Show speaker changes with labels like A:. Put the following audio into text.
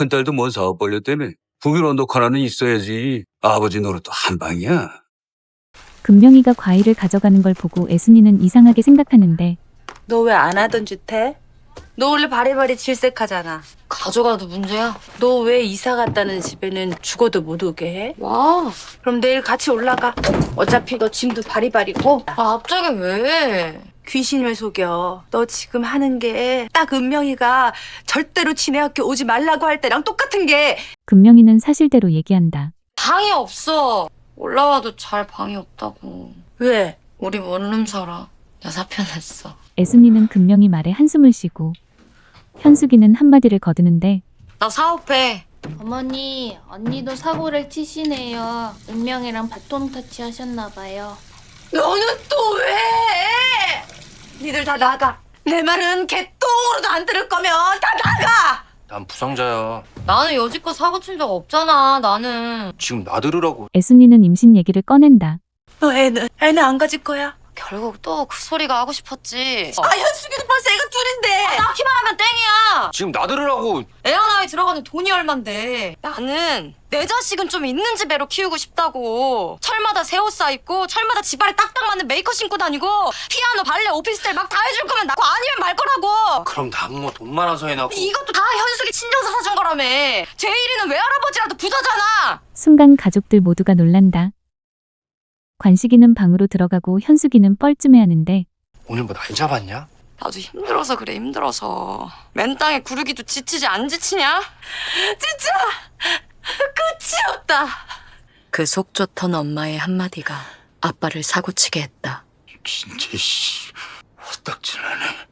A: 큰딸도 뭔 사업 벌렸다며. 북일 언덕 하나는 있어야지. 아버지 노릇도 한 방이야.
B: 금명이가 과일을 가져가는 걸 보고 애순이는 이상하게 생각하는데
C: 너 왜 안 하던 짓 해? 너 원래 바리바리 질색하잖아.
D: 가져가도 문제야?
C: 너 왜 이사 갔다는 집에는 죽어도 못 오게 해?
D: 와.
C: 그럼 내일 같이 올라가. 어차피 너 짐도 바리바리고.
D: 아, 갑자기 왜?
C: 귀신을 속여. 너 지금 하는 게 딱 은명이가 절대로 지네 학교 오지 말라고 할 때랑 똑같은 게.
B: 금명이는 사실대로 얘기한다.
D: 방이 없어. 올라와도 잘 방이 없다고.
C: 왜?
D: 우리 원룸 살아. 나 사표 냈어.
B: 애순이는 금명이 말에 한숨을 쉬고 현숙이는 한마디를 거드는데
D: 나 사업해.
E: 어머니, 언니도 사고를 치시네요. 은명이랑 바톤 터치 하셨나봐요.
C: 너는 또 왜? 니들 다 나가. 내 말은 개똥으로도 안 들을 거면 다 나가.
F: 난 부상자야.
D: 나는 여지껏 사고 친 적 없잖아. 나는.
F: 지금 나들으라고.
B: 애순이는 임신 얘기를 꺼낸다.
C: 너 애는 안 가질 거야.
D: 결국 또 그 소리가 하고 싶었지.
C: 아, 현숙이도 벌써 애가 둘인데.
D: 낳기만 하면 땡이야.
F: 지금 나들으라고.
D: 애 하나에 들어가는 돈이 얼만데. 나는 내 자식은 좀 있는 집 애로 키우고 싶다고. 철마다 새 옷 사입고 철마다 집안에 딱딱 맞는 메이커 신고 다니고 피아노, 발레, 오피스텔 막 다 해줄 거면 낳고 아니면 말 거라고.
F: 그럼 난 뭐 돈 많아서 해놨고.
D: 이것도 다 현숙이 친정서 사준 거라며. 제일이는 외할아버지라도 부자잖아.
B: 순간 가족들 모두가 놀란다. 관식이는 방으로 들어가고 현숙이는 뻘쭘해하는데
F: 오늘 뭐 날 잡았냐?
D: 나도 힘들어서 그래, 힘들어서. 맨 땅에 구르기도 지치지 안 지치냐?
C: 진짜 끝이 없다.
D: 그 속 좋던 엄마의 한마디가 아빠를 사고치게 했다.
A: 진짜 씨. 헛딱질하네.